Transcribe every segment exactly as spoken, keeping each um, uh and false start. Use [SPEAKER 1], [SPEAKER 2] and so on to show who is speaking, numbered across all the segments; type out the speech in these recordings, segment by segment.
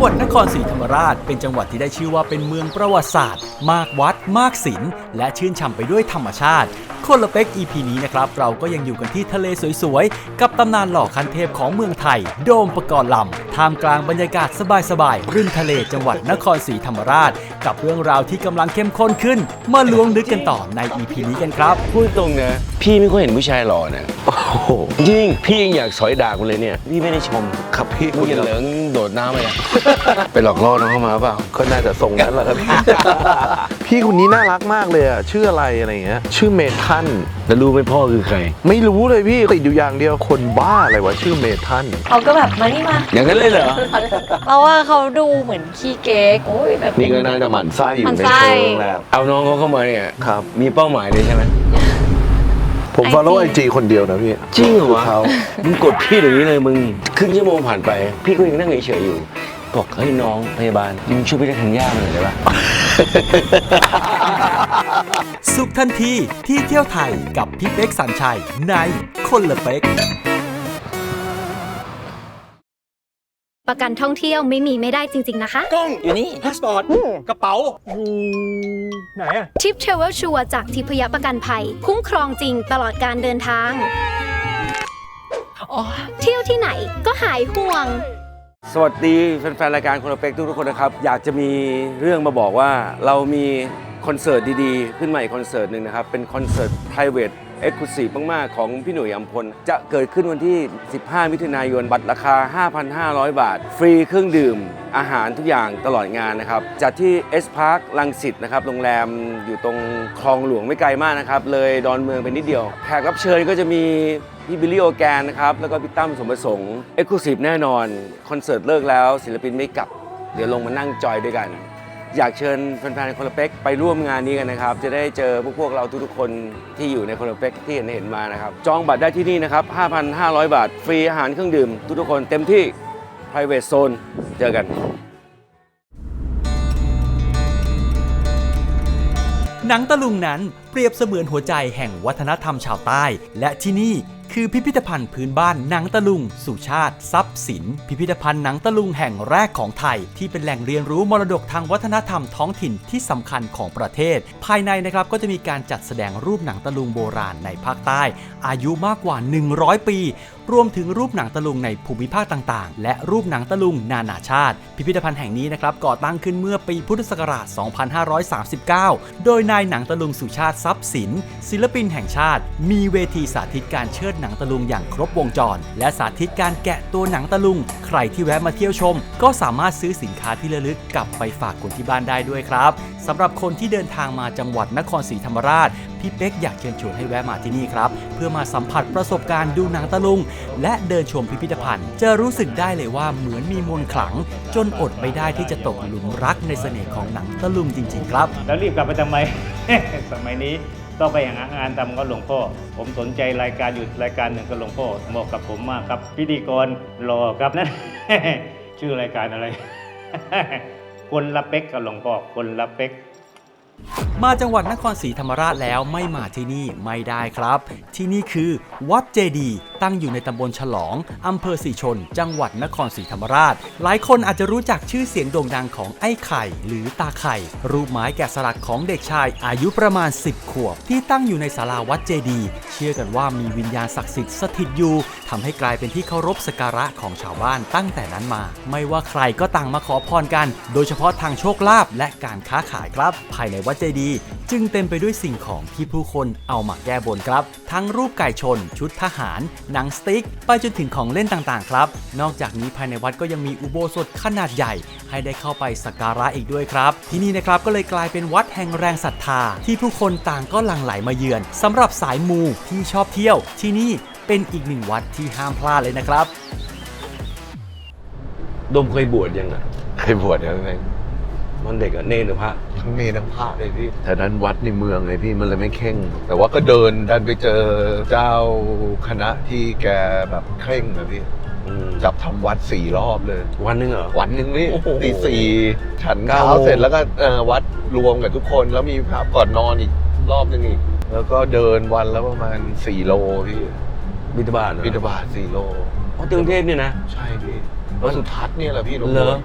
[SPEAKER 1] งหวัดนครศรีธรรมราชเป็นจังหวัดที่ได้ชื่อว่าเป็นเมืองประวัติศาสตร์มากวัดมากศิลป์และชื่นฉ่ำไปด้วยธรรมชาติคนละเป็ก อี พี นี้นะครับเราก็ยังอยู่กันที่ทะเลสวยๆกับตำนานหล่อคันเทพของเมืองไทยโดมปกรณ์ลำท่ามกลางบรรยากาศสบายๆริมทะเลจังหวัดนครศรีธรรมราชกับเรื่องราวที่กำลังเข้มข้นขึ้นมาล้วงลึกกันต่อใน อี พี นี้กันครับ
[SPEAKER 2] พูดตรงนะพี่ไม่ค่อยเห็นผู้ชายหล่อนะโอ้โหจริงพี่ยังอยากสอยดากมันเลยเนี่ยพี่ไม่ได้ชมครับพี่มึงอย่าเหลิงโดดน้ำไปอ่ะไปหลอกล่อน้องเข้ามาเปล่าก็น่าจะส่งนั้นแหละครับพี่
[SPEAKER 3] พี่คนนี้น่ารักมากเลยอ่ะชื่ออะไรอะไรเงี้ยชื่อเมทัน
[SPEAKER 2] แล้วรู้ไหมพ่อคือใคร
[SPEAKER 3] ไม่รู้เลยพี่ติดอยู่อย่างเดียวคนบ้าอะไรวะชื่อเมทัน
[SPEAKER 4] เขาก็แบบมานี่มา
[SPEAKER 2] อย่างนั้นเลยเหรอ
[SPEAKER 4] เพราะว่าเขาดูเหมือนขี้เก๊กโอ้ยแบบ
[SPEAKER 3] นี่ก็น่าจะหมั่นไส้อยู่ในโรงแรม
[SPEAKER 2] เอาน้องเขาเข้ามาเนี่ย
[SPEAKER 3] ครับ
[SPEAKER 2] มีเป้าหมายเลยใช่ไหม
[SPEAKER 3] ผมฟอลโล่ไอจีคนเดียวนะพี่
[SPEAKER 2] จริงเหรอวะมึงกดพี่อย่างนี้เลยมึงครึ่งชั่วโมงผ่านไปพี่ก็ยังนั่งเฉยๆอยู่บอกเฮ้ยน้องพยาบาลมึงช่วยพี่ได้ทันย่าหน่อยได้ปะ
[SPEAKER 1] สุขทันทีที่เที่ยวไทยกับพี่เป๊กสัญชัยในคนละเป็ก
[SPEAKER 5] ประกันท่องเที่ยวไม่มีไม่ได้จริงๆนะคะ
[SPEAKER 6] กล้องอยู่นี่พาสปอร์ตกระเป๋าอยู่ไหนอะ
[SPEAKER 5] ทิปเทรเวลชัวร์จากทิพยประกันภัยคุ้มครองจริงตลอดการเดินทางเที่ยวที่ไหนก็หายห่วง
[SPEAKER 2] สวัสดีแฟนๆรายการคนละเป็กทุกๆคนนะครับอยากจะมีเรื่องมาบอกว่าเรามีคอนเสิร์ตดีๆขึ้นมาอีกคอนเสิร์ตหนึ่งนะครับเป็นคอนเสิร์ต private exclusive มากๆของพี่หนุ่ยอัมพลจะเกิดขึ้นวันที่สิบห้ามิถุนายนบัตรราคา ห้าพันห้าร้อย บาทฟรีเครื่องดื่มอาหารทุกอย่างตลอดงานนะครับจัดที่ S Park รังสิตนะครับโรงแรมอยู่ตรงคลองหลวงไม่ไกลมากนะครับเลยดอนเมืองไปนิดเดียวแขกรับเชิญก็จะมีพี่บิลลี่โอแกนนะครับแล้วก็พี่ตั้มสมประสงค์ Exclusive แน่นอนคอนเสิร์ตเลิกแล้วศิลปินไม่กลับเดี๋ยวลงมานั่งจอยด้วยกันอยากเชิญแฟนๆคนละเป็กไปร่วมงานนี้กันนะครับจะได้เจอพวกพวกเราทุกๆคนที่อยู่ในคนละเป็กที่เห็นเห็นมานะครับจองบัตรได้ที่นี่นะครับ ห้าพันห้าร้อย บาทฟรีอาหารเครื่องดื่มทุกๆคนเต็มที่ private zone เจอกัน
[SPEAKER 1] หนังตะลุงนั้นเปรียบเสมือนหัวใจแห่งวัฒนธรรมชาวใต้และที่นี่คือพิพิธภัณฑ์พื้นบ้านหนังตะลุงสุชาติทรัพย์สินพิพิธภัณฑ์หนังตะลุงแห่งแรกของไทยที่เป็นแหล่งเรียนรู้มรดกทางวัฒนธรรมท้องถิ่นที่สำคัญของประเทศภายในนะครับก็จะมีการจัดแสดงรูปหนังตะลุงโบราณในภาคใต้อายุมากกว่าหนึ่งร้อยปีรวมถึงรูปหนังตะลุงในภูมิภาคต่างๆและรูปหนังตะลุงนานาชาติพิพิธภัณฑ์แห่งนี้นะครับก่อตั้งขึ้นเมื่อปีพุทธศักราช สองพันห้าร้อยสามสิบเก้า โดยนายหนังตะลุงสุชาติทรัพย์สินศิลปินแห่งชาติมีเวทีสาธิตการเชิดหนังตะลุงอย่างครบวงจรและสาธิตการแกะตัวหนังตะลุงใครที่แวะมาเที่ยวชมก็สามารถซื้อสินค้าที่ระลึกกลับไปฝากคนที่บ้านได้ด้วยครับสำหรับคนที่เดินทางมาจังหวัดนครศรีธรรมราชพี่เป๊กอยากเชิญชวนให้แวะมาที่นี่ครับเพื่อมาสัมผัสประสบการณ์ดูหนังตะลุงและเดินชมพิพิธภัณฑ์จะรู้สึกได้เลยว่าเหมือนมีมนต์ขลังจนอดไม่ได้ที่จะตกหลุมรักในเสน่ห์ของหนังตะลุงจริงๆครับ
[SPEAKER 6] แล้วรีบกลับไปทำไม สมัยนี้ต้องไปหางานทำกับหลวงพ่อผมสนใจรายการอยู่รายการหนึ่งกับหลวงพ่อเหมาะกับผมมากครับพิธีกรรอครับนั่น ชื่อรายการอะไร คนละเป็กกับหลวงพ่อคนละเป็ก
[SPEAKER 1] มาจังหวัดนครศรีธรรมราชแล้วไม่มาที่นี่ไม่ได้ครับที่นี่คือวัดเจดีย์ตั้งอยู่ในตำบลฉลองอำเภอศรีชนจังหวัดนครศรีธรรมราชหลายคนอาจจะรู้จักชื่อเสียงโด่งดังของไอ้ไข่หรือตาไข่รูปไม้แกะสลักของเด็กชายอายุประมาณสิบขวบที่ตั้งอยู่ในศาลาวัดเจดีย์เชื่อกันว่ามีวิญญาณศักดิ์สิทธิ์สถิตอยู่ทำให้กลายเป็นที่เคารพสักการะของชาวบ้านตั้งแต่นั้นมาไม่ว่าใครก็ต่างมาขอพรกันโดยเฉพาะทางโชคลาภและการค้าขายครับภายในวัดเจดีย์จึงเต็มไปด้วยสิ่งของที่ผู้คนเอามาแก้บนครับทั้งรูปไก่ชนชุดทหารหนังสติ๊กไปจนถึงของเล่นต่างๆครับนอกจากนี้ภายในวัดก็ยังมีอุโบสถขนาดใหญ่ให้ได้เข้าไปสักการะอีกด้วยครับที่นี่นะครับก็เลยกลายเป็นวัดแห่งแรงศรัทธาที่ผู้คนต่างก็หลั่งไหลมาเยือนสำหรับสายมูที่ชอบเที่ยวที่นี่เป็นอีกหนึ่งวัดที่ห้ามพลาดเลยนะครับ
[SPEAKER 2] ดมเคยบวชยังอ่ะ
[SPEAKER 3] เคยบวชแล้วไง
[SPEAKER 2] มันเด็กอะเนรหรือพระ
[SPEAKER 3] ทั้งเนรทั้งพระเลยพี่แต่นั้นวัดในเมืองเลยพี่มันเลยไม่เข่งแต่ว่าก็เดินดันไปเจอเจ้าคณะที่แกแบบเคร่งนะพี่จับทำวัดสี่รอบเลย
[SPEAKER 2] วันนึงเหรอ
[SPEAKER 3] วันนึงนี่ตีสี่ฉันเช้าเสร็จแล้วก็วัดรวมกับทุกคนแล้วมีพระก่อนนอนอีกรอบนึงอีกแล้วก็เดินวันแล้วประมาณสี่โลพี่
[SPEAKER 2] บิณฑบาต
[SPEAKER 3] บิณฑบาตสี่โล
[SPEAKER 2] เพราะกรุงเทพเนี่ยนะ
[SPEAKER 3] ใช่พี่วัดสุทัศน์เนี่ยแหละพี่
[SPEAKER 2] เหรอ
[SPEAKER 3] พ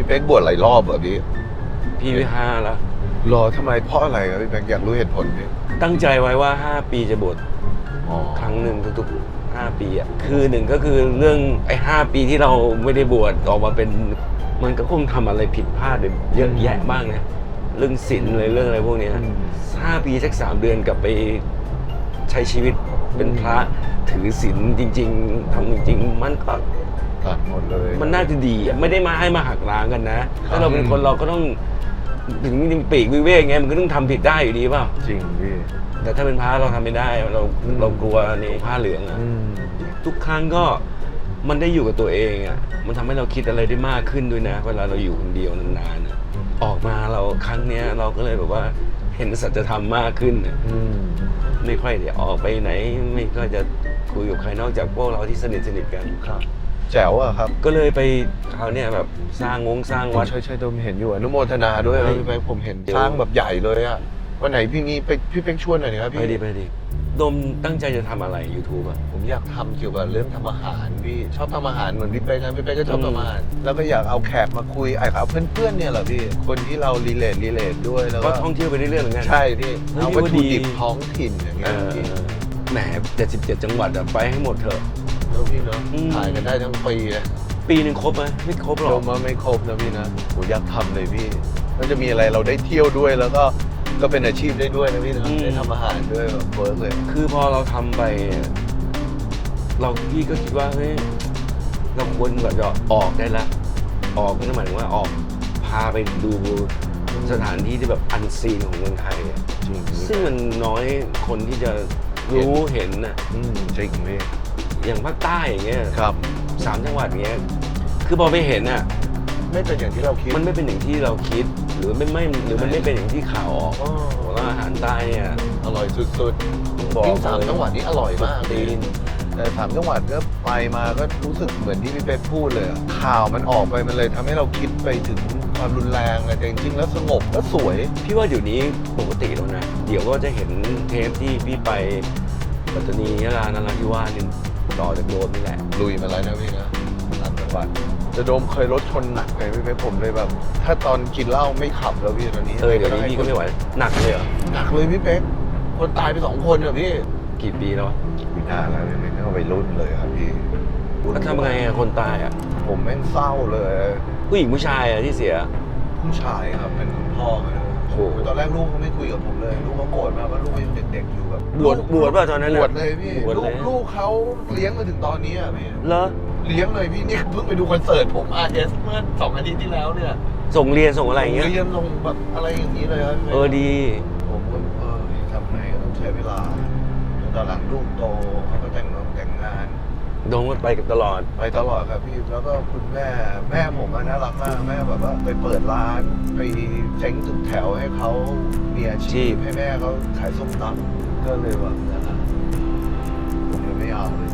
[SPEAKER 3] พี่เป๊กบวชหลายรอบเหรอพี่
[SPEAKER 2] พี่วิห้าแล้ว
[SPEAKER 3] รอทำไมเพราะอะไรครับพี่เป๊กอยากรู้เหตุผลพี่
[SPEAKER 2] ตั้งใจไว้ว่า ห้า ปีจะบวช
[SPEAKER 3] อ๋อ
[SPEAKER 2] ครั้งหนึ่งทุกๆห้าปีอ่ะคือหนึ่งก็คือเรื่องไอ้ห้าปีที่เราไม่ได้บวชออกมาเป็นมันก็คงทำอะไรผิดพลาดไปเยอะแยะบ้างนะเรื่องศีลเลยเรื่องอะไรพวกเนี้ยห้าปีสักสามเดือนกลับไปใช้ชีวิตเป็นพระถือศีลจริง ๆทำจริง ๆ มันก็
[SPEAKER 3] ตัดหมดเลย
[SPEAKER 2] มันน่าจะดีอ่ะไม่ได้มาให้มาหักล้างกันนะถ้าเราเป็นคนเราก็ต้องถึงปีกวิเวกไงมันก็ต้องทำผิดได้อยู่ดีเปล่า
[SPEAKER 3] จริงพี่
[SPEAKER 2] แต่ถ้าเป็นพระเราทำไม่ได้เราเรากลัวในผ้าเหลืองอ่ะ
[SPEAKER 3] อืม
[SPEAKER 2] ทุกครั้งก็มันได้อยู่กับตัวเองอ่ะมันทำให้เราคิดอะไรได้มากขึ้นด้วยนะเวลาเราอยู่คนเดียวนานๆอะออกมาเราครั้งเนี้ยเราก็เลยแบบว่าเห็นสัจธรรมมากขึ้นอะ
[SPEAKER 3] อืม
[SPEAKER 2] ไม่ค่อยได้ออกไปไหน ไม่ค่อยจะคุยกับใครนอกจากพวกเราที่สนิทสนิทกัน
[SPEAKER 3] ครับแจ๋วอะครับ
[SPEAKER 2] ก็เลยไปคราวเนี้ยแบบสร้างงงสร้างวัด
[SPEAKER 3] ใช่ใช่ผมเห็นอยู่อนุโมทนาด้วยครับพี่เป๊กผมเห็นสร้างแบบใหญ่เลยอะวันไหนพี่งี้ไปพี่เป๊กชวนหน่อยนะครับ
[SPEAKER 2] ไป
[SPEAKER 3] พี่
[SPEAKER 2] ดีไปดีโดมตั้งใจจะทำอะไร YouTube อ่ะ
[SPEAKER 3] ผมอยากทำเกี่ยวกับเรื่องทำอาหารพี่ชอบทำอาหารเหมือนพี่เป๊กนะพี่เป๊กก็ชอบ
[SPEAKER 2] อืม
[SPEAKER 3] ทำอาหารแล้วก็อยากเอาแขกมาคุยไอ้เอาเพื่อนๆเนี่ยแหละพี่คนที่เรารีเลทรีเลทด้วยแล้ว
[SPEAKER 2] ก็
[SPEAKER 3] ก็
[SPEAKER 2] ท่องเที่ยวไปเรื่อยๆเหมือนกัน
[SPEAKER 3] ใช่พี่
[SPEAKER 2] เฮ้ย
[SPEAKER 3] เอา
[SPEAKER 2] พี่
[SPEAKER 3] วัต
[SPEAKER 2] ว่า
[SPEAKER 3] ถุ
[SPEAKER 2] ดี
[SPEAKER 3] ดิบท้องถิ่นอย่าง
[SPEAKER 2] เอ
[SPEAKER 3] เงี้ย
[SPEAKER 2] อ
[SPEAKER 3] พี่
[SPEAKER 2] แหมเจ็ดสิบเจ็ดจังหวัดอะไปให้หมดเถอะ
[SPEAKER 3] แล้วพี่เนาะ
[SPEAKER 2] อืม
[SPEAKER 3] ถ่ายกันได้ทั้งปีเลย
[SPEAKER 2] ปีหนึ่งครบไหมไม่ครบหร
[SPEAKER 3] โด
[SPEAKER 2] อก
[SPEAKER 3] มว่าไม่ครบนะพี่นะผมอยากทำเลยพี่มันจะมีอะไรเราได้เที่ยวด้วยแล้วก็ก็เป็นอาชีพได้ด้วยนะพี่นะได้ทำอาหารด้วยแบบเวิร์กเลย
[SPEAKER 2] คือพอเราทำไป เราพี่ก็คิดว่าเฮ้ยเราควรแบบจะออกได้ละออกนั่นหมายถึงว่าออกพาไปดูสถานที่ที่แบบอันซีนของเมืองไทยอะ
[SPEAKER 3] จริง
[SPEAKER 2] ซึ่งมันน้อยคนที่จะรู้เห็นน่ะ
[SPEAKER 3] อืมจริงพี่
[SPEAKER 2] อย่างภาคใต้อย่างเงี้ย
[SPEAKER 3] ครับ
[SPEAKER 2] สามจังหวัดเงี้ยคือพอไปเห็นอ่ะ
[SPEAKER 3] ไม่เป็นอย่างที่เราคิด
[SPEAKER 2] มันไม่เป็นอย่างที่เราคิด หรือไม่ไม่หรือมันไม่เป็นอย่างที่ข่าวออก
[SPEAKER 3] อ๋อ
[SPEAKER 2] ว่าอาหารใต้เนี่ย
[SPEAKER 3] อร่อยสุด
[SPEAKER 2] บอก
[SPEAKER 3] ๆยิ่งสามจังหวัดนี้อร่อยมาก
[SPEAKER 2] ตี
[SPEAKER 3] พี่
[SPEAKER 2] น
[SPEAKER 3] แต่สามจังหวัดก็ไปมาก็รู้สึกเหมือนที่พี่เป๊กพูดเลยอะข่าวมันออกไปมันเลยทำให้เราคิดไปถึงความรุนแรงอะแต่จริงๆแล้วสงบแล้วสวย
[SPEAKER 2] พี่ว่าเดี๋ยวนี้ปกติแล้วนะ เดี๋ยวก็จะเห็นเทปที่พี่ไปปัตตานียะลานราธิวาสนี่ต่อจากโดมนี่แหละ
[SPEAKER 3] ลุยมาแล้วนะพี่นะสามจังหวัดจะโดมเคยรถชนหนักเลยพี่เป๊กผมเลยแบบ ถ้าตอนกินเหล้าไม่ขับแล้วพี่ตอนนี้
[SPEAKER 2] เออเดี๋ยวนี้พี่ก็ไม่ไหวหนักเลยเหรอ
[SPEAKER 3] หนักเลยพี่เป๊กคนตายไปสองคนอะพี่
[SPEAKER 2] กี่ปีแล้ววะ
[SPEAKER 3] พี่นาแล้วพี่เป๊กเข้าไปรุ่นเลยครับพี่
[SPEAKER 2] แล้วทำไงอะคนตายอะ
[SPEAKER 3] ผมแม่งเศร้าเลย
[SPEAKER 2] ผู้หญิงผู้ชายอะที่เสีย
[SPEAKER 3] ผู้ชายครับเป็นคุณพ่อเขาเลย
[SPEAKER 2] โอ้โห
[SPEAKER 3] ตอนแรกลูกเขาไม่คุยกับผมเลยลูกเขาโกรธมากว่าลูกยังเด็กๆอยู่แบบ
[SPEAKER 2] บวชบวชป่ะตอนนั้น
[SPEAKER 3] บ
[SPEAKER 2] น่ะ
[SPEAKER 3] วชเลยพี่
[SPEAKER 2] บวช
[SPEAKER 3] ลู
[SPEAKER 2] เล
[SPEAKER 3] ก
[SPEAKER 2] ย
[SPEAKER 3] ลูกเขาเลี้ยงมาถึงตอนนี้อ่ะพี่
[SPEAKER 2] เหรอ
[SPEAKER 3] เลี้ยงเลยพี่นี่เพิ่งไปดูคอนเสิร์ตผม อาร์ เอส เมื่อสองอาทิตย์ที่แล้วเนี่ย
[SPEAKER 2] ส่งเรียนส่งอะไรอย่างเงี้ย
[SPEAKER 3] เรียนลงแบบอะไรอย่างนี้เลยครับพี่
[SPEAKER 2] เออดี
[SPEAKER 3] ผมก็เออทำไงก็ต้องใช้เวลาตอนหลังลูกโตเขาก็แต่งงานแต่งงาน
[SPEAKER 2] โดนก็ไปกับตลอด
[SPEAKER 3] ไปตลอดครับพี่แล้วก็คุณแม่แม่ผมอะน่ารักมากแม่แบบว่าไปเปิดร้านไปเซ้งตึกแถวให้เขามีอาชีพให้แม่เขาขายส้มตำก็เลยแบบนั่นแหละผมเลยไม่เอาเลยนะ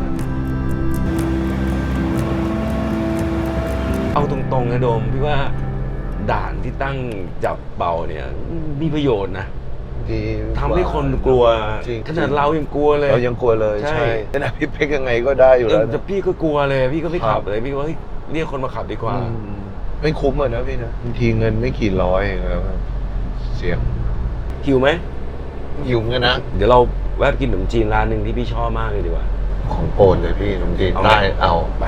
[SPEAKER 2] เอาตรงๆนะโดมพี่ว่าด่านที่ตั้งจับเป่าเนี่ยมีประโยชน์นะ
[SPEAKER 3] ดี
[SPEAKER 2] ทำให้คนกลัว
[SPEAKER 3] จริง
[SPEAKER 2] ขนาดเรายังกลัวเลย
[SPEAKER 3] เรายังกลัวเลย
[SPEAKER 2] ใช่
[SPEAKER 3] ใช่ขนาดพี่เป๊กยังไงก็ได้อยู่
[SPEAKER 2] เอ
[SPEAKER 3] แล้ว
[SPEAKER 2] อแต่พี่ก็กลัวเลยพี่ก็ไม่
[SPEAKER 3] ครั
[SPEAKER 2] ขั
[SPEAKER 3] บ
[SPEAKER 2] บเลยพี่ว่าเฮ้ยเรียกคนมาขับดีกว่า
[SPEAKER 3] อืมไม่คุ้มอะนะพี่นะบางทีเงินไม่กี่ร้อยแล้วเสียง
[SPEAKER 2] หิวไหม
[SPEAKER 3] หิวเหมือนกันนะ
[SPEAKER 2] เดี๋ยวเราแวะไปกินขนมจีนร้านหนึ่งที่พี่ชอบมากเลยดีกว่า
[SPEAKER 3] ของโปรดเลยพี่ขนมจีน
[SPEAKER 2] เอาไหม
[SPEAKER 3] ได้เอา
[SPEAKER 2] ไป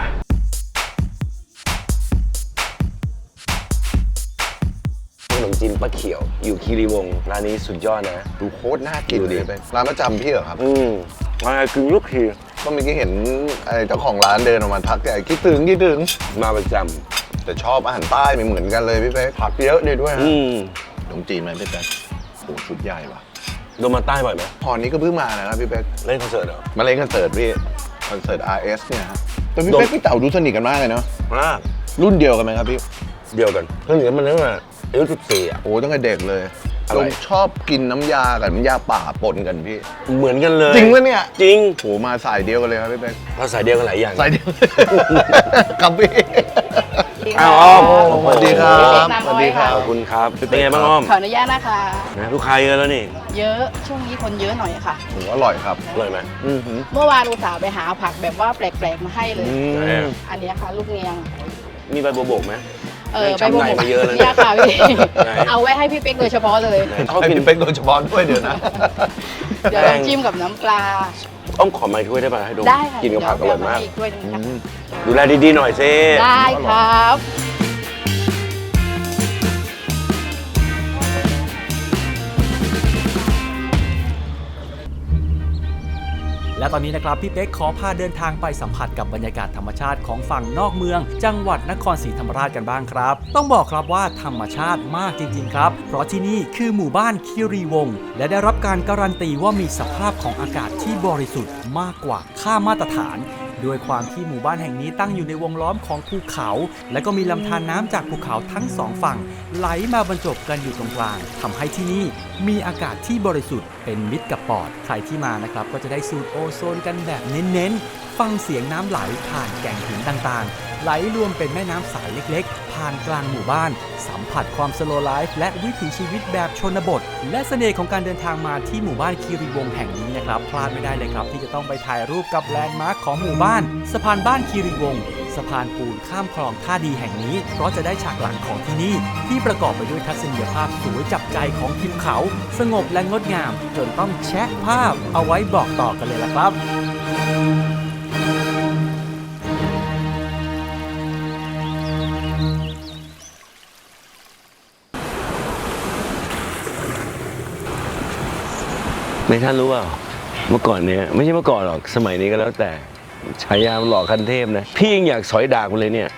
[SPEAKER 2] ขนมจีนป้าเขียว อยู่คีรีวงศ์ร้านนี้สุดยอดนะ
[SPEAKER 3] ดูโคตรน่ากิน
[SPEAKER 2] ดูดิ
[SPEAKER 3] เลยเป็นร้านประจำพี่เหรอครับ
[SPEAKER 2] อืมมาไงกึ่งลูกที
[SPEAKER 3] ก็เมื่อกี้เห็นไอ้เจ้าของร้านเดินออกมาทักแต่คิดถึงคิดถึง
[SPEAKER 2] มาประจ
[SPEAKER 3] แต่ชอบอาหารใต้ไม่เหมือนกันเลยพี่เป๊กผักเยอะดีด้วย
[SPEAKER 2] ำ
[SPEAKER 3] ฮะ
[SPEAKER 2] อืม
[SPEAKER 3] ขนมจีนไหมพี่เป๊กโอ้ชุดใหญ่ว่ะ
[SPEAKER 2] โดนมาใต้บ่อยไหม
[SPEAKER 3] พอนี้ก็เพิ่งมานะครับพี่เป๊ก
[SPEAKER 2] เล่นคอนเสิร์ตเหรอ
[SPEAKER 3] มาเล่นคอนเสิร์ตพี่คอนเสิร์ต อาร์ เอส เนี่ยฮะแต่พี่
[SPEAKER 2] โดน
[SPEAKER 3] เป๊กพี่เต่าดูสนิทกันมากเลยเนาะ
[SPEAKER 2] มา
[SPEAKER 3] รุ่นเดียวกันไหมครับพี่
[SPEAKER 2] เดียวกันเพิ่งเห็นมันตั้งแต่อายุสิบสี่อ่ะ
[SPEAKER 3] โอ้ตั้งแต่เด็กเลย
[SPEAKER 2] อะไร
[SPEAKER 3] ผมชอบกินน้ำยากับน้ำยาป่าปนกันพี่
[SPEAKER 2] เหมือนกันเลย
[SPEAKER 3] จริงปะเนี่ย
[SPEAKER 2] จริง
[SPEAKER 3] โหมาสายเดียวกันเลยครับพี่เป๊ก
[SPEAKER 2] ภาษาเดียวกันหลายอย่าง
[SPEAKER 3] สายเดียว ครับพี่
[SPEAKER 2] อ้าวอ้อม
[SPEAKER 3] สวัสดีครับ
[SPEAKER 7] น้ำ
[SPEAKER 3] ส
[SPEAKER 7] อ้อย
[SPEAKER 3] วัสดีครั
[SPEAKER 2] ข
[SPEAKER 3] บ
[SPEAKER 2] อบคุณครับ เป็นไงบ้างอ้อม
[SPEAKER 7] ขออนุญาตนะคะ
[SPEAKER 2] นะลูกค้าเยอะแล้วนี่
[SPEAKER 7] เยอะช่วงนี้คนเยอะหน่อยค่ะ
[SPEAKER 3] โหอร่อยครับ
[SPEAKER 2] อร่อยไหม
[SPEAKER 3] อือหือ
[SPEAKER 7] เมื่อวานอุตส่าห์ไปหาผักแบบว่าแปลกๆมาให้เลย
[SPEAKER 3] อื
[SPEAKER 2] ไหน
[SPEAKER 3] ม
[SPEAKER 2] อะ
[SPEAKER 7] อันเนี้ยค่ะ ลูกเนียง
[SPEAKER 2] มีใบบัวบกไหม
[SPEAKER 7] เออใบ
[SPEAKER 2] ช้ำ
[SPEAKER 7] บัว
[SPEAKER 2] ใน
[SPEAKER 7] หม
[SPEAKER 2] มาเยอะแล้ว
[SPEAKER 7] เนี่ยค่ะพี่
[SPEAKER 2] ไหน
[SPEAKER 7] เอาไว้ให้พี่เป๊กโดยเฉพาะเลย
[SPEAKER 2] เขา
[SPEAKER 3] ให้
[SPEAKER 2] กิน
[SPEAKER 3] พี่เป๊กโดยเฉพาะด้วยเดี๋ยวนะ
[SPEAKER 7] เดี๋ยวลองจิ้มกับน้ำปลา
[SPEAKER 2] อ้อมขอไม้ถ้วยได้ป่ะให้ดม
[SPEAKER 7] ได้ค่ะ
[SPEAKER 2] กินกับผักอร่อยมาก
[SPEAKER 7] เดี๋วเไปอีด้วยหนึงค่ะ
[SPEAKER 2] ดูแลดีๆหน่อยสิ
[SPEAKER 7] ได้ครับ
[SPEAKER 1] และตอนนี้นะครับพี่เป๊กขอพาเดินทางไปสัมผัสกับบรรยากาศธรรมชาติของฝั่งนอกเมือง จังหวัดนครศรีธรรมราชกันบ้างครับต้องบอกครับว่าธรรมชาติมากจริงๆครับเพราะที่นี่คือหมู่บ้านคีรีวงศ์และได้รับการการันตีว่ามีสภาพของอากาศที่บริสุทธิ์มากกว่าค่ามาตรฐานด้วยความที่หมู่บ้านแห่งนี้ตั้งอยู่ในวงล้อมของภูเขา และก็มีลำธารน้ำจากภูเขาทั้งสองฝั่งไหลมาบรรจบกันอยู่ตรงกลางทำให้ที่นี่มีอากาศที่บริสุทธิ์เป็นมิตรกับปอดใครที่มานะครับก็จะได้สูดโอโซนกันแบบเน้นๆฟังเสียงน้ำไหลผ่านแก่งหินต่างๆไหลรวมเป็นแม่น้ำสายเล็กๆผ่านกลางหมู่บ้านสัมผัสความสโลว์ไลฟ์และวิถีชีวิตแบบชนบทและเสน่ห์ของการเดินทางมาที่หมู่บ้านคีรีวงศ์แห่งนี้นะครับพลาดไม่ได้เลยครับที่จะต้องไปถ่ายรูปกับแลนด์มาร์คของหมู่บ้านสะพานบ้านคีรีวงศ์สะพานปูนข้ามคลองท่าดีแห่งนี้เพราะจะได้ฉากหลังของที่นี่ที่ประกอบไปด้วยทัศนียภาพสวยจับใจของทิวเขาสงบและงดงามจนต้องแชะภาพเอาไว้บอกต่อกันเลยละครับ
[SPEAKER 2] ในท่านรู้เปล่าเมื่อก่อนเนี้ยไม่ใช่เมื่อก่อนหรอกสมัยนี้ก็แล้วแต่ฉายามันหล่อคันเทพนะพี่ยังอยากสอยดากมันเลยเนี่ย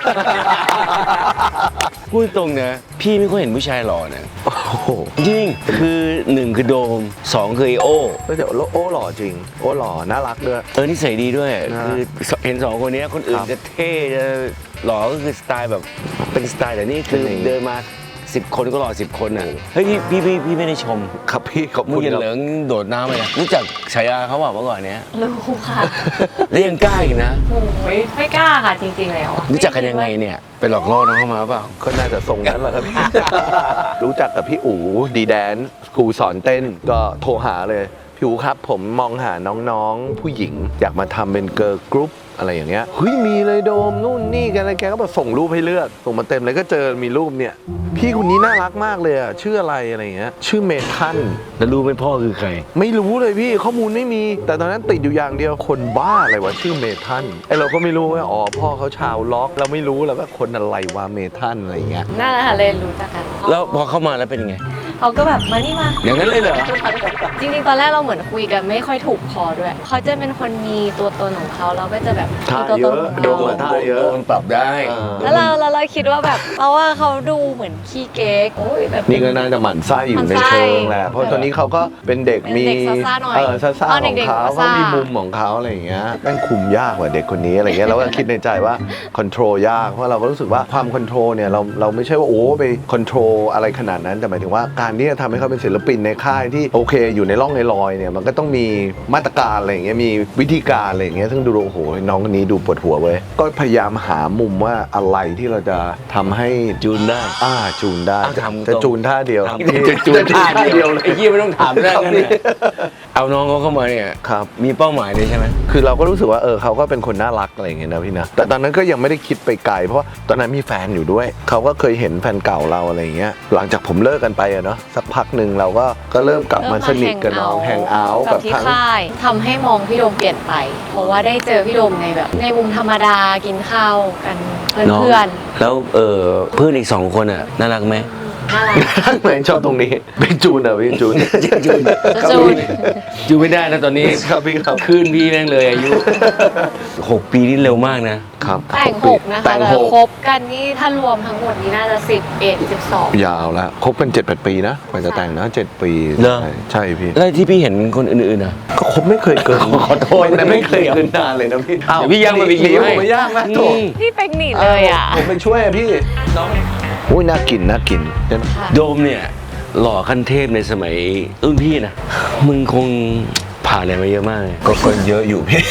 [SPEAKER 2] พูดตรงนะพี่ไม่ค่อยเห็นผู้ชายหล่อนะโอ้โหจริงคือหนึ่งคือโดมสองคือไอโอ
[SPEAKER 3] ก็เดี๋ยวโอ้หล่อจริง โอ้หล่อน่ารักด้วย
[SPEAKER 2] เออนิสัยดีด้วย
[SPEAKER 3] นะ
[SPEAKER 2] คือเห็นสองคนนี้คนอื่น
[SPEAKER 3] ครับ
[SPEAKER 2] จะเท่จะหล่อก็คือสไตล์แบบเป็นสไตล์แต่นี่คือ
[SPEAKER 3] เป็นอย่างนี้
[SPEAKER 2] เดินมาสิบคนก็หล่อสิบคนอ่ะเฮ้ยพี่พี่พี่พี่ไม่ได้ชม
[SPEAKER 3] ครับพี่ขอบ
[SPEAKER 2] มึ
[SPEAKER 3] คุ
[SPEAKER 2] ง
[SPEAKER 3] ณ
[SPEAKER 2] อย่า
[SPEAKER 3] ครับ
[SPEAKER 2] เหลิงโดดน้ำไปนะรู้จักฉายาเขาบอกเมื่อก่อนเนี้ย
[SPEAKER 4] รู้ค่ะ
[SPEAKER 2] แล้วยังกล้าอีกนะ
[SPEAKER 4] โอ้ยไม่กล้าค่ะจริงๆแล้ว
[SPEAKER 2] รู้จักกันยังไงเนี่ยไปหลอกล่อน้องเข้ามาเปล่า
[SPEAKER 3] ก็น่าจะทรงนั้นแหละครับ รู้จักกับพี่อู๋ดีแดนครูสอนเต้นก็โทรหาเลยพี่อู๋ครับผมมองหาน้องๆผู้หญิง อยากมาทำเป็นเกิร์ลกรุ๊ปอะไรอย่างเงี้ยเฮ้ยมีเลยโดมนู่นนี่กันอะไรแกก็แบบส่งรูปให้เลือกส่งมาเต็มเลยก็เจอมีรูปเนี่ยพี่คนนี้น่ารักมากเลยอ่ะชื่ออะไรอะไรอย่างเงี้ยชื่อเมทัน
[SPEAKER 2] แล้วรู้ไหมพ่อคือใคร
[SPEAKER 3] ไม่รู้เลยพี่ข้อมูลไม่มี แต่ตอนนั้นติดอยู่อย่างเดียวคนบ้าอะไรวะชื่อเมทันไอเราก็ไม่รู้ว่าอ๋อพ่อเขาชาวล็อกเราไม่รู้แล้วว่าคนอะไรวะเมทันอะไรอย่างเงี้ย
[SPEAKER 4] นั่นแหละค่ะเลยรู้จักกัน
[SPEAKER 2] แล้วพอเข้ามาแล้วเป็นไง
[SPEAKER 4] เขาก็แบบมานี่มา
[SPEAKER 2] อย่างนั้นเลยเหรอ
[SPEAKER 4] จริงๆ ตอนแรกเราเหมือนคุยกันไม่ค่อยถูกคอด้วย เขาจะเป็นคนมีตัวตนของเขาเราก็จะแบบ
[SPEAKER 3] ท่า
[SPEAKER 4] มีตัว
[SPEAKER 3] เย
[SPEAKER 4] ตน
[SPEAKER 3] อะ
[SPEAKER 4] ของ
[SPEAKER 3] โด
[SPEAKER 4] เรา
[SPEAKER 3] นท่าเยอะ
[SPEAKER 2] โดนปรับได้
[SPEAKER 4] แล้วเราแล้วเราคิดว่าแบบเพราะว่าเขาดูเหมือนขี้เก๊กโอ้ยแบบ
[SPEAKER 3] นี่ก็น่าจะหมั่นไส้อยู่ในเชิงแหละเพราะตอนนี้เขาก็เป็นเด็กมี
[SPEAKER 4] เป็นเด็กซ่าๆหน่อย
[SPEAKER 3] เออซ่า
[SPEAKER 4] ตอน
[SPEAKER 3] ๆของ
[SPEAKER 4] เด็กๆ
[SPEAKER 3] เขา
[SPEAKER 4] ก็
[SPEAKER 3] เขา
[SPEAKER 4] ซ่า
[SPEAKER 3] มีมุมของเขาอะไรอย่างเงี้ยแม่งคุมยากกว่าเด็กคนนี้อะไรเงี้ยเราก็คิดในใจว่าคอนโทรลยากเพราะเราก็รู้สึกว่าความคอนโทรลเนี่ยเราเราไม่ใช่ว่าโอ้ไปคอนโทรลอะไรขนาดนั้นแต่หมายถึงว่าการที่จะทำให้เขาเป็นศิลปินในค่ายที่โอเคอยู่ในร่องในรอยเนี่ยมันก็ต้องมีมาตรการอะไรอย่างเงี้ยมีวิธีการอะไรอย่างเงี้ยซึ่งดูโอ้โหน้องคนนี้ดูปวดหัวเว้ยก็พยายามหามุมว่าอะไรที่เราจะทำให้
[SPEAKER 2] จูนได้
[SPEAKER 3] อ่าจูนได้
[SPEAKER 2] เอาทำ
[SPEAKER 3] จะจูนท่าเดียว
[SPEAKER 2] ทำจะจูนท่าเดียวเลยไอ้ยี่ไม่ต้องถามเรื่องนั้นเนี่ยเอาน้องเขาเข้ามาเนี่ย
[SPEAKER 3] ครับ
[SPEAKER 2] มีเป้าหมายเลยใช่ไหม
[SPEAKER 3] คือเราก็รู้สึกว่าเออเขาก็เป็นคนน่ารักอะไรอย่างเงี้ยนะพี่นะแต่ตอนนั้นก็ยังไม่ได้คิดไปไกลเพราะว่าตอนนั้นมีแฟนอยู่ด้วยเขาก็เคยเห็นแฟนเก่าเราอะไรอย่างเงี้ยหลังจากผมเลิกกันไปอะเนาะสักพักหนึ่งเราก็ก็เริ่มกลับมาสนิทกับน้องแฮงเอาท์
[SPEAKER 4] กั
[SPEAKER 3] กั
[SPEAKER 4] บบ ที่
[SPEAKER 3] ทั้ง
[SPEAKER 4] ค่ายทำให้มองพี่โดมเปลี่ยนไป เพราะว่าได้เจอพี่โดมในแบบ ในมุมธรรมดากินข้าวกันเพื่อน
[SPEAKER 2] แล้วเออเพื่อนอีกสองคนอ่ะน่ารักไหม
[SPEAKER 4] ๆน่ารัก
[SPEAKER 3] เหมือนชอบตรงนี้เป็นจูนอะพี่จูน
[SPEAKER 2] จูน
[SPEAKER 4] จะจูน
[SPEAKER 2] จูนไม่ได้นะตอนนี้
[SPEAKER 3] ครับพี่ครับ
[SPEAKER 2] ขึ้นพี่แม่งเลยอายุหกปีนี่เร็วมากนะ
[SPEAKER 3] ครับ
[SPEAKER 4] แต่งหกนะคะ
[SPEAKER 3] แต่ง
[SPEAKER 4] แต่
[SPEAKER 3] หก
[SPEAKER 4] คบกันนี่ถ้ารวมทั้งหมดนี้น่าจะสิบเอ็ดสิบสอง
[SPEAKER 3] ยาวแล้วคบกันเจ็ดแปดปีนะกว่าจะแต่งนะเจ็ดปี
[SPEAKER 2] เหรอ
[SPEAKER 3] ใช่ใช่พี่
[SPEAKER 2] แล้วที่พี่เห็นคนอื่นๆอ่ะ
[SPEAKER 3] ก็คบไม่เคยเกิน
[SPEAKER 2] ขอโทษ
[SPEAKER 3] แต่ไม่เคยเกินนานเลยนะพี่
[SPEAKER 2] เดี๋ยวพี่ย่างบาร์บีคิว
[SPEAKER 3] หนี
[SPEAKER 2] ให้
[SPEAKER 3] ผมไม่ย่างนะโถ
[SPEAKER 4] พี่เป็กหนีเลยอ่ะ
[SPEAKER 3] ผมไปช่วยอะพี่อุ้ยน่ากินน่ากินเดี๋ยวนะ
[SPEAKER 2] โดมเนี่ยหล่อขั้นเทพในสมัยรุ่นพี่นะมึงคงผ่านอะไรมาเยอะมากเลย
[SPEAKER 3] ก็คนเยอะอยู่พี่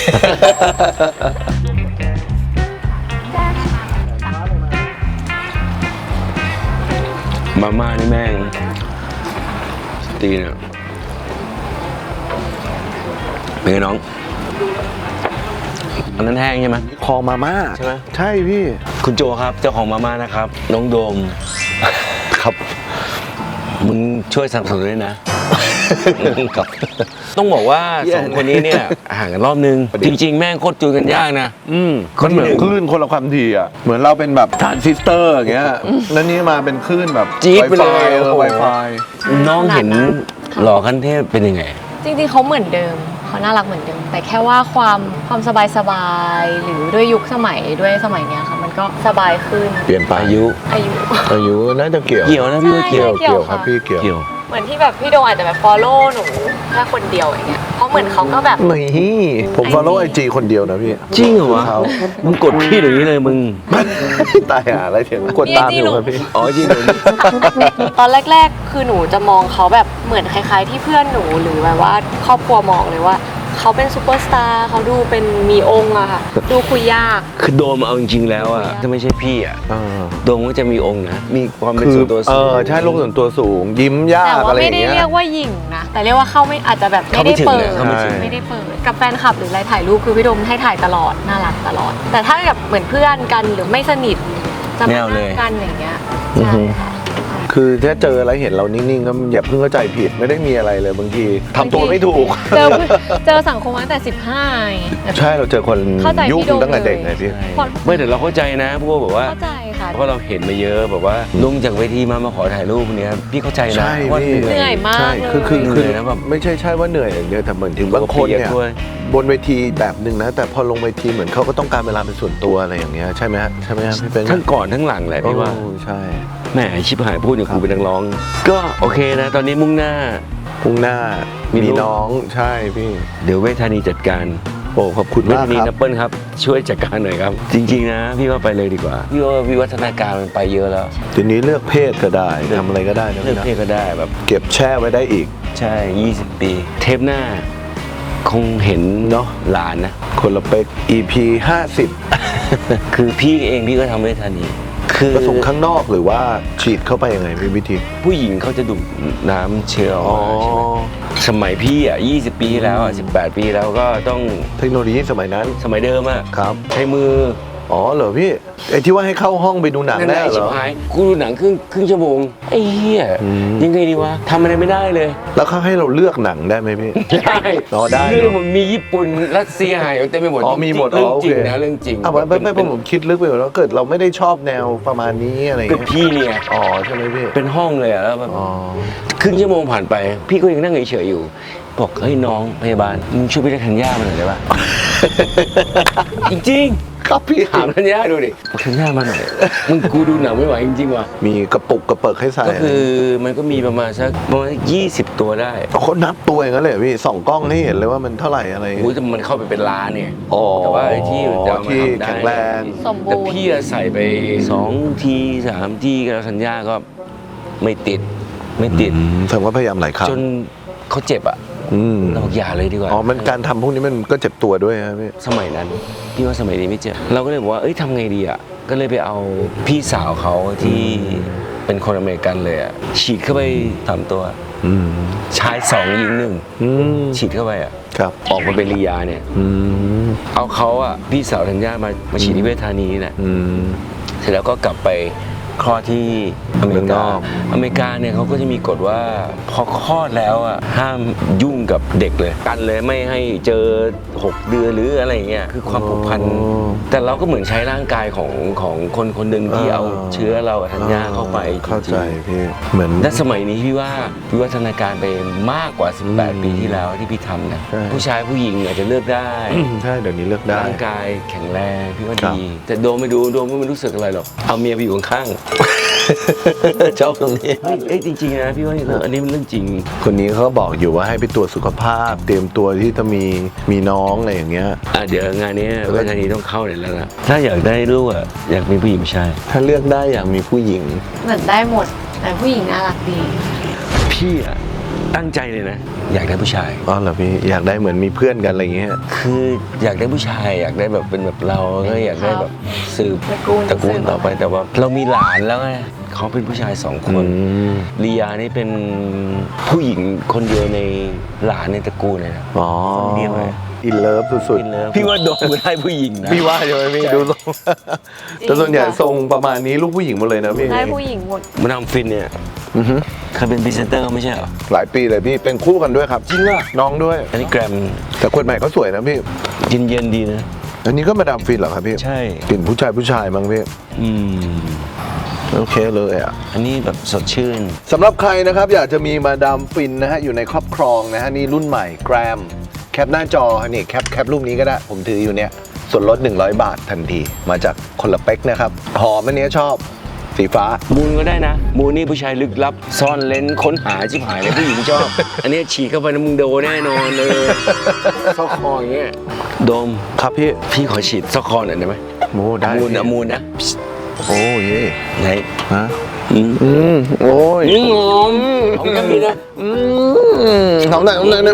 [SPEAKER 2] มาม่านี่แม่งตีเนี่ยเป็นไงน้องอันนั้นแห้งใช่ไหม
[SPEAKER 3] คอมาม่า
[SPEAKER 2] ใช่ไหม
[SPEAKER 3] ใช่พี่
[SPEAKER 2] คุณโจครับเจ้าของมาม่านะครับ น้องโดม
[SPEAKER 3] ครับ
[SPEAKER 2] มึงช่วยสนับสนุนด้วยนะ ครับ ต้องบอกว่าสองคนนี้เนี่ยห่างกันรอบนึง จริงๆ แม่งโคตรจูนกันยากนะ
[SPEAKER 3] อืมมันเหมือนคลื่นคนละความถี่อ่ะ เหมือนเราเป็นแบบทรานซิสเตอร์อย่างเงี้ย แล้วนี่มาเป็นคลื่นแบบ
[SPEAKER 2] จี๊ดไปเลย
[SPEAKER 3] เออ Wi-Fi
[SPEAKER 2] น้องเห็นหล่อขั้นเทพเป็นยังไง
[SPEAKER 4] จริงๆเขาเหมือนเดิมเขาน่ารักเหมือนเดิม แต่แค่ว่าความความสบายสบายๆหรือด้วยยุคสมัยด้วยสมัยเนี้ยค่ะมันก็สบายขึ้น
[SPEAKER 3] เปลี่ยนไป
[SPEAKER 2] อายุ
[SPEAKER 4] อายุ
[SPEAKER 3] อายุน่าจะเกี่ยว
[SPEAKER 2] เกี่ยวนะพี่ว่าเกี่ยว
[SPEAKER 4] ใช่
[SPEAKER 3] เกี่ยวครับพี่เกี่ยว
[SPEAKER 2] เกี่ยว
[SPEAKER 4] เหมือนที่แบบพี่โดงอาจจะแบบ follow หนูแค่คนเดียวอย่างเงี้ยเพราะเหมือนเขาก็แบบ
[SPEAKER 3] นี่ผม follow ไอจีคนเดียวนะพี่
[SPEAKER 2] จริงเหรอวะ
[SPEAKER 3] เขา
[SPEAKER 2] มึงกดพี่เดี๋ยวนี้เลยมึง
[SPEAKER 3] ตายหาอะไรเถียงกดตามอยู่ครับพี่
[SPEAKER 2] อ๋อจริงเหรอ
[SPEAKER 4] ตอนแรก ๆ คือหนูจะมองเขาแบบเหมือนคล้าย ๆ ที่เพื่อนหนูหรือแบบว่าครอบครัวมองเลยว่าเขาเป็นซูเปอร์สตาร์เขาดูเป็นมีองค์อะค่ะ ดูคุยยาก
[SPEAKER 2] คือโดมเอาจริงๆแล้วอะถ้าไม่ใช่พี่อะ
[SPEAKER 3] เออ
[SPEAKER 2] โดมก็จะมีองค์นะ มีความเป็น
[SPEAKER 3] คือ
[SPEAKER 2] ส่วนตัว
[SPEAKER 3] เอ
[SPEAKER 2] สูง
[SPEAKER 3] อใช่โลกส่วนตัวสูง ยิ้มยา
[SPEAKER 4] แต่
[SPEAKER 3] ก
[SPEAKER 4] ว่า
[SPEAKER 3] อะไรอ
[SPEAKER 4] ไม่
[SPEAKER 3] ย่าง
[SPEAKER 4] ได้
[SPEAKER 3] เงี้ย
[SPEAKER 4] เรียกว่าหยิ่งนะ แต่เรียกว่าเข้าไม่อาจจะแบบไม่ได้เปิด
[SPEAKER 2] เข้าไม่ถึง
[SPEAKER 4] ไม่ได้เปิดกับแฟนคลับหรืออะไรถ่ายรูปคือพี่โดมให้ถ่ายตลอดน่ารักตลอด แต่ถ้าแบบเหมือนเพื่อนกันหรือไม่สนิทจะมานั่งกันอย่างเงี้ยใช่ค่ะ
[SPEAKER 3] คือถ้าเจออะไรเห็นเรานิ่งๆก็อย่าเพิ่งเข้าใจผิดไม่ได้มีอะไรเลยบางทีทำตัวไม่ถูก
[SPEAKER 4] เจอเจอสังคมมาตั้งแต่สิบห้า
[SPEAKER 3] ใช่เราเจอคน
[SPEAKER 4] เข้าใจ
[SPEAKER 3] ยุ่ง
[SPEAKER 4] พี่โดม
[SPEAKER 3] ตั้งแต่เด็ก
[SPEAKER 4] เลย
[SPEAKER 3] ไงพี่
[SPEAKER 2] ไม่แต่เราเข้าใจนะพวกแบบว่า
[SPEAKER 4] เข้าใจค่ะ
[SPEAKER 2] เพราะเราเห็นมาเยอะแบบว่าลงจากเวทีมามาขอถ่ายรูปเนี้ยพี่เข้าใจนะ
[SPEAKER 3] ใช่
[SPEAKER 2] ว่า
[SPEAKER 3] พี่
[SPEAKER 4] เหนื่อยมาก
[SPEAKER 3] ใช่คือคือ
[SPEAKER 2] เห
[SPEAKER 3] คือ
[SPEAKER 2] นื่อยนะแบบ
[SPEAKER 3] ไม่ใช่ใช่ว่าเหนื่อยอย่างเดียวแต่เหมือนถึงบางคน
[SPEAKER 2] เปียก
[SPEAKER 3] เนี่ย
[SPEAKER 2] ด้วย
[SPEAKER 3] บนเวทีแบบหนึ่งนะ แต่พอลงเวทีเหมือนเขาก็ต้องการเวลาเป็นส่วนตัวอะไรอย่างเงี้ยใช่ไหมฮะใช่ไหมฮะพี่เป็น
[SPEAKER 2] ทั้งก่อนทั้งหลังแหละพี่ว่า
[SPEAKER 3] โอ้ใช่
[SPEAKER 2] แหมชิบหายพูดอย่างกูเป็นนักร้อง ก็โอเคนะ ตอนนี้มุ่งหน้า
[SPEAKER 3] พรุ่งหน้า
[SPEAKER 2] มี
[SPEAKER 3] มี
[SPEAKER 2] ลูก
[SPEAKER 3] น้องใช่พี่
[SPEAKER 2] เดี๋ยวเวทานีจัดการ
[SPEAKER 3] โอ้ขอบคุณ
[SPEAKER 2] เว
[SPEAKER 3] มาก
[SPEAKER 2] ทานี
[SPEAKER 3] ค
[SPEAKER 2] นั
[SPEAKER 3] รั
[SPEAKER 2] บบ เปิลครับ ช่วยจัดการหน่อยครับ จริงๆนะ พี่ว่าไปเลยดีกว่า พี่ว่าวิวัฒนาการมันไปเยอะแล้ว
[SPEAKER 3] ทีนี้เลือกเพศก็ได้ทำอะไรก็ได้นะ
[SPEAKER 2] เลือก
[SPEAKER 3] พี่นะ
[SPEAKER 2] เพศก็ได้แบบ
[SPEAKER 3] เก็บแช่ไว้ได้อีก
[SPEAKER 2] ใช่ ยี่สิบ ปี เทปหน้า คงเห็น
[SPEAKER 3] เนอะ
[SPEAKER 2] หลานนะ
[SPEAKER 3] คนละเป็ก อี พี ห้าสิบ
[SPEAKER 2] คือพี่เองพี่ก็ทำเวทานี คือ
[SPEAKER 3] ผสมข้างนอกหรือว่าฉีดเข้าไปยังไงพี่วิธี
[SPEAKER 2] ผู้หญิงเขาจะดูดน้ำเชื้อออกมาใช่ไหมสมัยพี่อ่ะยี่สิบ ปีแล้วอ่ะสิบแปด ปีแล้วก็ต้อง
[SPEAKER 3] เทคโนโลยีสมัยนั้น
[SPEAKER 2] สมัยเดิมอ่ะ
[SPEAKER 3] ครับ
[SPEAKER 2] ใช้มือ
[SPEAKER 3] อ๋อเหรอพี่ไอ้ที่ว่าให้เข้าห้องไปดูหนัง
[SPEAKER 2] นั่นแห
[SPEAKER 3] ได้
[SPEAKER 2] ละ
[SPEAKER 3] เห
[SPEAKER 2] ชิ
[SPEAKER 3] ร
[SPEAKER 2] บ
[SPEAKER 3] อ
[SPEAKER 2] หายกูดูหนังครึ่งครึ่งชั่วโมงไอ้เหี้ย
[SPEAKER 3] อืม
[SPEAKER 2] ยังไงดีวะทำอะไรไม่ได้เลย
[SPEAKER 3] แล้วเขาให้เราเลือกหนังได้ไหมพี่
[SPEAKER 2] ได้
[SPEAKER 3] อ๋อได้
[SPEAKER 2] เรื่องมันมีญี่ปุ่นรัสเซียหายเต็มไปหมด
[SPEAKER 3] อ๋อมีหมด
[SPEAKER 2] เรื่อง
[SPEAKER 3] อ๋อโอ
[SPEAKER 2] จริ
[SPEAKER 3] เค
[SPEAKER 2] งนะเรื่องจริง
[SPEAKER 3] อ้าวไม่ไม่ไม่ผมคิดลึกไปหมดแล้วเกิดเราไม่ได้ชอบแนวประมาณนี้อะไรอย่าง
[SPEAKER 2] เป็น
[SPEAKER 3] เงี้ย
[SPEAKER 2] พี่เนี่ย
[SPEAKER 3] อ๋อใช่ไหมพี่
[SPEAKER 2] เป็นห้องเลยอะแล้วแบบ
[SPEAKER 3] อ๋อ
[SPEAKER 2] ครึ่งชั่วโมงผ่านไป พี่ก็ยังนั่งเฉยๆอยู่ บอกเฮ้ยน้องพยาบาลมึงช่วยพี่เรียกธัญญามาหน่อยได้ปะ จริง
[SPEAKER 3] ครับพี่
[SPEAKER 2] ๆถามธัญญาดูดิบอกธัญญามาหน่อยมึงกูดูหนังไม่ไหวจริงๆว่ะ
[SPEAKER 3] มีกระปุกกระเปิกให้ใส่
[SPEAKER 2] ก็คือมันก็มีประมาณสักประมาณยี่สิบตัวได้
[SPEAKER 3] เอาเขานับตัวอย่างนั้นเลยเหรอพี่ส่องกล้องให้เห็นเลยว่ามันเท่าไหร่อะไร
[SPEAKER 2] โอ้ยแต่มันเข้าไปเป็นล้านเนี่ย
[SPEAKER 3] อ๋อ
[SPEAKER 2] แต่ว่าไอ้ที่จะเอามา
[SPEAKER 3] ที่
[SPEAKER 2] ทำได้
[SPEAKER 3] แข็งแรง
[SPEAKER 4] สมบูรณ์
[SPEAKER 2] แต่พี่อะใส่ไปสองทีสามทีกับธัญญาก็ไม่ติดไม่ติด
[SPEAKER 3] อืมแสดงว่าพยายามหลายครั้ง
[SPEAKER 2] จนเขาเจ็บอะ
[SPEAKER 3] อืม
[SPEAKER 2] เราบอกอย่าเลยดีกว่า
[SPEAKER 3] อ๋อมันการทำพวกนี้มันก็เจ็บตัวด้วยครับพี่
[SPEAKER 2] สมัยนั้นพี่ว่าสมัยนี้ไม่เจ็บเราก็เลยบอกว่าเอ้ยทำไงดีอะก็เลยไปเอาพี่สาวเขาที่เป็นคนอเมริกันเลยอะฉีดเข้าไปสามตัว
[SPEAKER 3] อืม
[SPEAKER 2] ชายสองหญิงหนึ่ง
[SPEAKER 3] อืม
[SPEAKER 2] ฉีดเข้าไปอะ
[SPEAKER 3] ครับ
[SPEAKER 2] ออกมาเป็นลียาเนี่ย
[SPEAKER 3] อืม
[SPEAKER 2] เอาเขาอะพี่สาวธัญญามามาฉีดที่เวชธานีนี่แหละ
[SPEAKER 3] อืม
[SPEAKER 2] เสร็จแล้วก็กลับไปคลอดที่อเมริ
[SPEAKER 3] เมืองน
[SPEAKER 2] กา
[SPEAKER 3] อก
[SPEAKER 2] อเมริกาเนี่ยเขาก็จะมีกฎว่าพอคลอดแล้วอ่ะห้ามยุ่งกับเด็กเลยกันเลยไม่ให้เจอหกเดือนหรืออะไรเงี้ยคือความผูกพัน แต่เราก็เหมือนใช้ร่างกายของของคนคนหนึ่งที่เอาเชื้อเรากับธัญญาเข้าไป
[SPEAKER 3] เข้าใจ
[SPEAKER 2] จริง
[SPEAKER 3] พี่เหมือน
[SPEAKER 2] ๆและสมัยนี้พี่ว่าวิวัฒนาการไปมากกว่าสิบแปด ปีที่แล้วที่พี่ทำนะ
[SPEAKER 3] ใช่
[SPEAKER 2] ผู้ชายผู้หญิงอาจจะเลือกได้
[SPEAKER 3] ใช่เดี๋ยวนี้เลือกได้
[SPEAKER 2] ร่างกายแข็งแรงพี่ว่า
[SPEAKER 3] ครับ
[SPEAKER 2] ดี แต่โดมไม่ดูโดมก็ไม่รู้สึกอะไรหรอกเอาเมียไปอยู่ข้างๆ
[SPEAKER 3] ชอบตรงนี้
[SPEAKER 2] เฮ้ยเอ้ยจริงๆนะพี่ว่าอันนี้มันเรื่องจริง
[SPEAKER 3] คนนี้เขาบอกอยู่ว่าให้ไปตรวจสุขภาพ เตรียมตัวที่จะมีมีน้องอะไรอย่างเงี้ย
[SPEAKER 2] อ่ะเดี๋ยวงานนี้เวทานีต้องเข้าเลยแล้วนะถ้าอยากได้ลูกอ่ะอยากมีผู้หญิงผู้ชาย
[SPEAKER 3] ถ้าเลือกได้อยากมีผู้หญิง
[SPEAKER 4] เหมือนได้หมด แต่ผู้หญิงน่ารักดี
[SPEAKER 2] พี่อ่ะตั้งใจเลยนะ อยากได้ผู้ชาย
[SPEAKER 3] อ๋อเหรอพี่อยากได้เหมือนมีเพื่อนกันอะไรอย่างเงี้ย
[SPEAKER 2] คืออยากได้ผู้ชาย อยากได้แบบเป็นแบบเราก็อยากได้แบบสืบ
[SPEAKER 4] ตระกูล
[SPEAKER 2] ตระกูลต่อไปแต่ว่า เรามีหลานแล้วไงเขาเป็นผู้ชายสองคน
[SPEAKER 3] อืม
[SPEAKER 2] ลียานี่เป็นผู้หญิงคนเดียวในหลานในตระกูลเลยนะ
[SPEAKER 3] อ๋อ
[SPEAKER 2] คนเดียวเลย
[SPEAKER 3] อินเลิฟสุด
[SPEAKER 2] อินเลิฟพี่ว่าโดนได้ผู้หญิงนะ
[SPEAKER 3] ๆพี่ว่าใช่ไหมพี่ดูทรงแต่ส่วนใหญ่ทรงประมาณนี้ลูกผู้หญิงหมดเลยนะพี่
[SPEAKER 4] ได้ผู้หญิงหมด
[SPEAKER 2] มาดามฟินเนี่ย
[SPEAKER 3] อือฮึ
[SPEAKER 2] เคยเป็นพรีเซนเตอร์ไม่ใช่เหรอ
[SPEAKER 3] หลายปีเลยพี่เป็นคู่กันด้วยครับ
[SPEAKER 2] จริงเหรอ
[SPEAKER 3] น้องด้วย
[SPEAKER 2] อันนี้แกรม
[SPEAKER 3] แต่คนใหม่ก็สวยนะพี่
[SPEAKER 2] เย็นเย็นๆดีนะ
[SPEAKER 3] อันนี้ก็มาดามฟินเหรอครับพี่
[SPEAKER 2] ใช่
[SPEAKER 3] กลิ่นผู้ชายผู้ชายมั้งพี่
[SPEAKER 2] อืม
[SPEAKER 3] โอเคเลยอ่ะ
[SPEAKER 2] อันนี้แบบสดชื่น
[SPEAKER 3] สำหรับใครนะครับอยากจะมีมาดามฟินนะฮะอยู่ในครอบครองนะฮะนี่รุ่นใหม่แกรมแคปหน้าจอนี่แคปแคปรูปนี้ก็ได้ผมถืออยู่เนี่ยส่วนลดหนึ่งร้อยบาททันทีมาจากคนละเป๊กนะครับหอมอันเนี้ยชอบสีฟ้า
[SPEAKER 2] มูนก็ได้นะ มูนนี่ผู้ชายลึกลับ ซ่อนเลนค้นหาชิบหายเลยผู้หญิงชอบ อันนี้ฉีกเข้าไปนะมึงโดนแน่นอนเลยซอกคออย่างเงี้ยโดม
[SPEAKER 3] ครับพี่
[SPEAKER 2] พี่ขอฉีดซอกคอหน่อยได้ไหม
[SPEAKER 3] โอ้ได้
[SPEAKER 2] มูนนะมูนนะ
[SPEAKER 3] โอ้ย
[SPEAKER 2] ไหน
[SPEAKER 3] ฮะ
[SPEAKER 2] อืม
[SPEAKER 3] อืมโอ้ย
[SPEAKER 2] อืมหอมหอมกันดีนะ
[SPEAKER 3] อืมหอมหน่อยหอมหน่อยนะ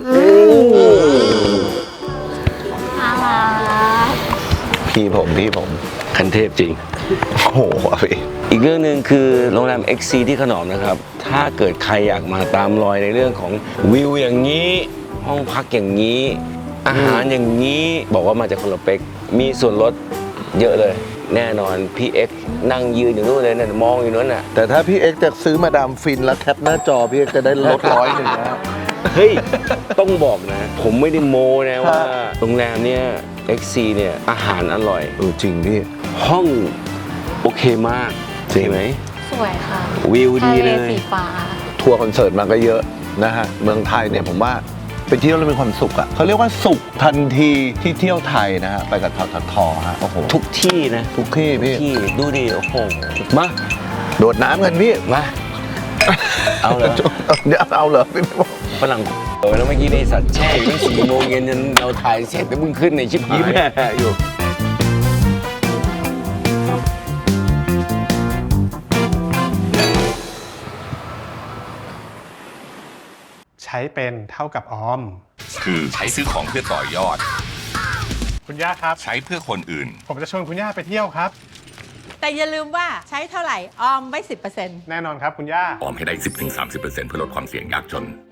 [SPEAKER 4] น่ารัก
[SPEAKER 3] พี่ผมพี่ผม
[SPEAKER 2] คันเทพจริง
[SPEAKER 3] โอ้โหพี่
[SPEAKER 2] อีกเรื่องหนึ่งคือโรงแรม เอ็กซ์ ซี ที่ขนอมนะครับ ถ้าเกิดใครอยากมาตามรอยในเรื่องของวิวอย่างนี้ ห้องพักอย่างนี้ อาหารอย่างนี้บอกว่ามาจากคนละเป็ก มีส่วนลดเยอะเลย แน่นอนพี่เอ็กซ์นั่งยืนอยู่นู่นเลยนะมองอยู่นู้นน่ะ
[SPEAKER 3] แต่ถ้าพี่เอ็กซ์จะซื้อมาดามฟินแล้วแคปหน้าจอพี่เอ็กซ์จะได้ลดร้อยหนึ่งนะ
[SPEAKER 2] เฮ้ย ต้องบอกนะ ผมไม่ได้โม้นะว่าโรงแรมเนี้ย เอ็กซ์ ซี เนี่ยอาหารอร่อย
[SPEAKER 3] เออจริงพี่
[SPEAKER 2] ห้องโอเคมาก
[SPEAKER 3] จริง
[SPEAKER 2] ใช่ไหม
[SPEAKER 4] สวยค่ะ
[SPEAKER 2] วิว
[SPEAKER 4] ทะ
[SPEAKER 2] ดี
[SPEAKER 4] เล
[SPEAKER 2] เลย
[SPEAKER 4] สีฟ้า
[SPEAKER 3] ทัวร์คอนเสิร์ตมาก็เยอะนะฮะเมืองไทยเนี่ยผมว่าไปเที่ยวแล้วมีความสุขอ่ะเขาเรียกว่าสุขทันทีที่เที่ยวไทยนะฮะไปกับทททฮะโอ้โห
[SPEAKER 2] ทุกที่นะ
[SPEAKER 3] ทุกที่พี่
[SPEAKER 2] ที่ดูดิโอ้โห
[SPEAKER 3] มา โดดน้ำกันพี่
[SPEAKER 2] มา เอาเหรอ
[SPEAKER 3] เดี๋ยวเอาเหรอพี่บอก
[SPEAKER 2] ฝรั่งเออแล้วเมื่อกี้ในสัตว์แช่อยู่ตั้งสี่โมงเย็นจนเราถ่ายเสร็จแล้วมึงขึ้นในชิปหาย
[SPEAKER 3] ยิ้มแย่อยู่
[SPEAKER 8] ใช้เป็นเท่ากับออม
[SPEAKER 9] คือใช้ซื้อของเพื่อต่อยอด
[SPEAKER 8] คุณย่าครับ
[SPEAKER 9] ใช้เพื่อคนอื่น
[SPEAKER 8] ผมจะชวนคุณย่าไปเที่ยวครับ
[SPEAKER 10] แต่อย่าลืมว่าใช้เท่าไหร่ออมไว้ สิบเปอร์เซ็นต์
[SPEAKER 8] แน่นอนครับคุณย่า
[SPEAKER 9] ออมให้ได้ สิบถึงสามสิบเปอร์เซ็นต์ เพื่อลดความเสี่ยงยากจน